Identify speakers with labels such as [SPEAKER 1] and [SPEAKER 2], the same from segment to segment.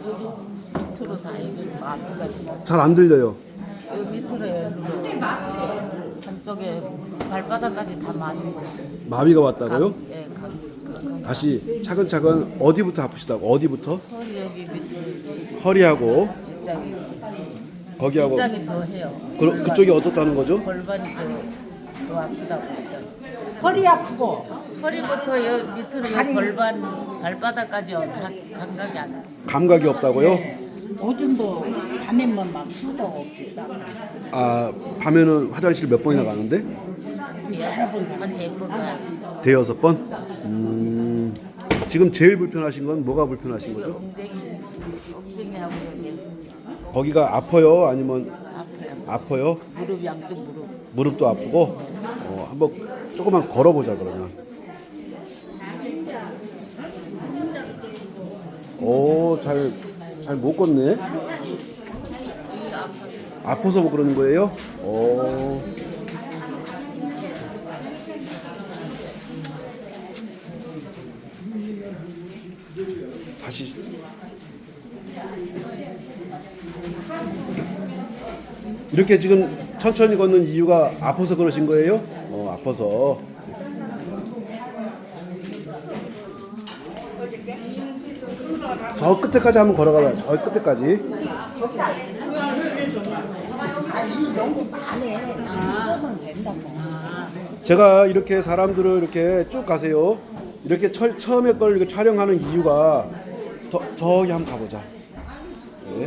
[SPEAKER 1] 밑으로 다 이거 마비가
[SPEAKER 2] 잘 안 들려요.
[SPEAKER 1] 여기 밑으로 한쪽에 발바닥까지 다 마비고.
[SPEAKER 2] 마비가 왔다고요?
[SPEAKER 1] 예,
[SPEAKER 2] 다시 차근차근 어디부터 아프시다고? 어디부터?
[SPEAKER 1] 허리 여기 밑에
[SPEAKER 2] 허리하고
[SPEAKER 1] 입장이
[SPEAKER 2] 거기하고
[SPEAKER 1] 입장이 더 해요.
[SPEAKER 2] 그쪽이 어떻다는 거죠?
[SPEAKER 1] 골반이 더 아프다고 했죠.
[SPEAKER 3] 허리 아프고
[SPEAKER 1] 허리부터 여 밑으로 여 골반 발바닥까지 다 감각이 안 와요.
[SPEAKER 2] 감각이 없다고요?
[SPEAKER 3] 오줌도 밤에만 막 수도 없이 싸고
[SPEAKER 2] 아 밤에는 화장실 몇 번이나 가는데?
[SPEAKER 1] 여러 번 대부가
[SPEAKER 2] 대여섯 번? 지금 제일 불편하신 건 뭐가 불편하신 거죠?
[SPEAKER 1] 엉덩이하고 여기
[SPEAKER 2] 거기가 아파요? 아니면
[SPEAKER 1] 아파요.
[SPEAKER 2] 아파요?
[SPEAKER 1] 무릎 양쪽 무릎.
[SPEAKER 2] 무릎도 아프고? 한번 조금만 걸어보자 그러면. 오, 잘 못 걷네. 아파서 그러는 거예요? 다시. 이렇게 지금 천천히 걷는 이유가 아파서 그러신 거예요? 아파서. 저 끝에까지 한번 걸어가봐요. 저 끝에까지.
[SPEAKER 3] 너무 반에 점은 된다고.
[SPEAKER 2] 제가 이렇게 사람들을 이렇게 쭉 가세요. 이렇게 처음에 걸 이렇게 촬영하는 이유가 저기 한번 가보자. 네.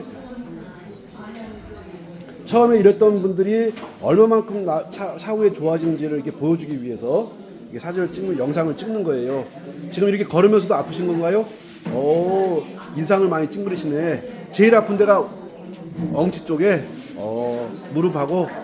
[SPEAKER 2] 처음에 이랬던 분들이 얼마만큼 차후에 좋아지는지를 이렇게 보여주기 위해서 이게 사진을 찍는 영상을 찍는 거예요. 지금 이렇게 걸으면서도 아프신 건가요? 인상을 많이 찡그리시네. 제일 아픈 데가 엉치 쪽에 무릎하고